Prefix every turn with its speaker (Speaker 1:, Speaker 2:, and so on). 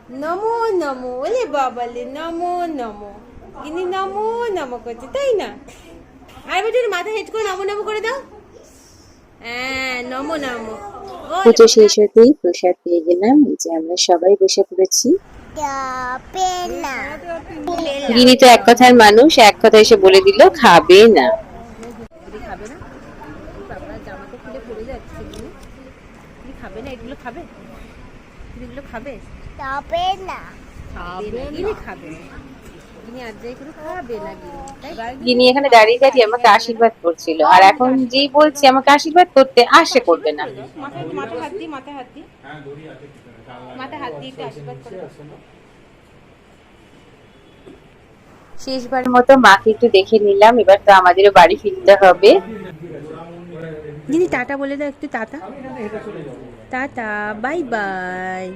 Speaker 1: নমো নমো, ওলে বাবালে নমো নমো। গিনি নমো নমো করছে, তাই না? আর বেটি মাথা হেঁট করে নমো নমো করে দাও। হ্যাঁ, নমো নমো। ওলে
Speaker 2: পুজো
Speaker 1: বাবা
Speaker 2: শেষ হতেই প্রসাদ পেয়ে গেলাম। এই যে আমরা সবাই বসে পড়েছি। গিনি তো এক কথার মানুষ, এক কথা এসে বলে দিল খাবে না।
Speaker 1: গিনি খাবে না? বাবা জামা তো খুলে পড়ে যাচ্ছে। গিনি গিনি খাবে না? এগুলো খাবে? এগুলো খাবে?
Speaker 3: তবে না
Speaker 1: খাবে না, গিনি খাবে না। গিনি আর যাই করে খাবে না গিনি, তাই?
Speaker 2: গিনি এখানে দাঁড়িয়ে দাঁড়িয়ে আমাকে আশীর্বাদ করছিল, আর এখন যেই বলছি আমাকে আশীর্বাদ করতে আসে করবে না।
Speaker 1: মাথায় মাথায় হাত দিয়ে, মাথায় হাত দিয়ে, মাথায় হাত দিয়ে একটু আশীর্বাদ করে দাও।
Speaker 2: শেষবারের মতো মাকে একটু দেখে নিলাম, এবার তো আমাদেরও বাড়ি ফিরতে হবে।
Speaker 1: দিদি টাটা বলে দাও একটু, টাটা টাটা, বাই বাই।